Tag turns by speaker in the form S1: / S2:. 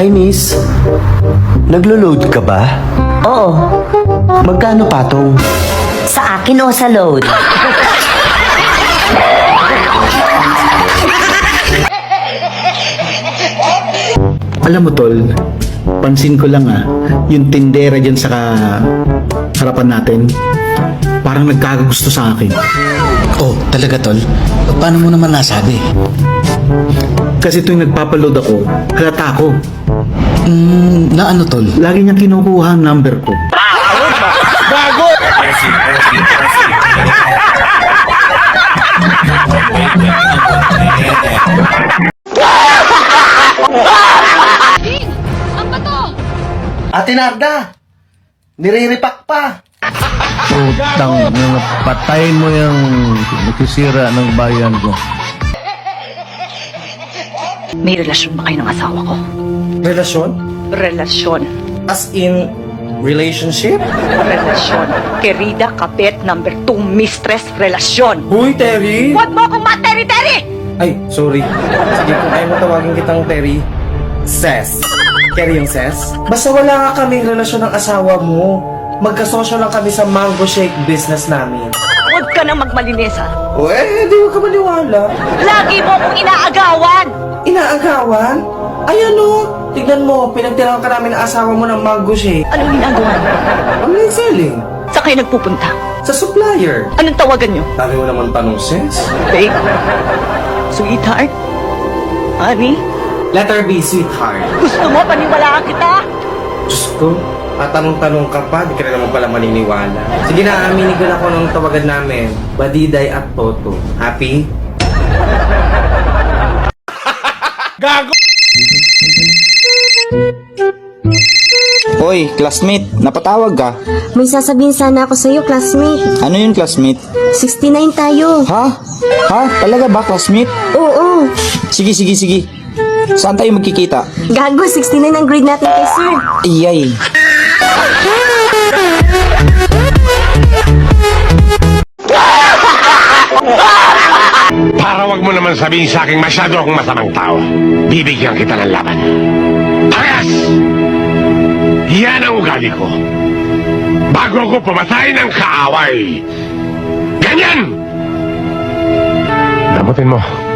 S1: Hi, miss. Naglo-load ka ba?
S2: Oo,
S1: Magkano patong?
S2: sa akin o sa load?
S3: Alam mo tol, pansin ko lang yung tindera dyan sa harapan natin, parang nagkakagusto sa akin.
S4: Oh, talaga tol? Paano mo naman nasabi?
S3: Kasi tuwing nagpapaload ako, halata ako.
S4: Na ano tol?
S3: Lagi niyang kinukuha ang number ko.
S1: Ate Narda! Nire-repack pa!
S5: Putang, patayin mo yung nagsisira ng bayan ko.
S6: May relasyon ba kayo ng asawa ko?
S1: Relasyon?
S6: Relasyon.
S1: As in, relationship?
S6: Relasyon. Querida Kapit, number 2, mistress, relasyon.
S1: Huy, Terry!
S6: Huwag mo akong materi-teri!
S1: Ay, sorry. Sige, kung ayaw mo tawagin kitang Terry, Ses. Terry yung Ses? Basta wala nga kaming relasyon ng asawa mo. Magkasosyo lang kami sa mango shake business namin.
S6: Huwag ka nang magmalinis, ha?
S1: O di ko ka maniwala.
S6: Lagi mo akong inaagawan!
S1: Inaagawan? Ay tignan mo, pinagtirahan ka namin ng asawa mo ng mango shake.
S6: Anong ginagawa mo?
S1: Online selling.
S6: Saan kayo nagpupunta?
S1: Sa supplier.
S6: Anong tawagan nyo?
S1: Dami mo naman tanong, Ses.
S6: Babe? Sweetheart? Honey?
S1: Letter B, sweetheart.
S6: Gusto mo paniwalaan kita?
S1: Diyos ko, tatanong-tanong ka pa, di ka na naman pala maniniwala. Sige na, aminin ko na ako ng tawagan namin. Badiday at Toto. Happy?
S7: Hoy, classmate, napatawag ka.
S8: May sasabihin sana ako sa'yo, classmate.
S7: Ano yun, classmate?
S8: 69 tayo.
S7: Ha? Ha? Talaga ba, classmate?
S8: Oo.
S7: Sige, sige, sige. Saan tayo magkikita?
S8: Gago, 69 ang grade natin kay sir.
S7: Iyay.
S9: Para wag mo naman sabihin sa akin masyado akong masamang tao, bibigyan kita ng laban. Parehas! Yan ang ugali ko. Bago ako pumatay ng kaaway. Ganyan! Damutin mo.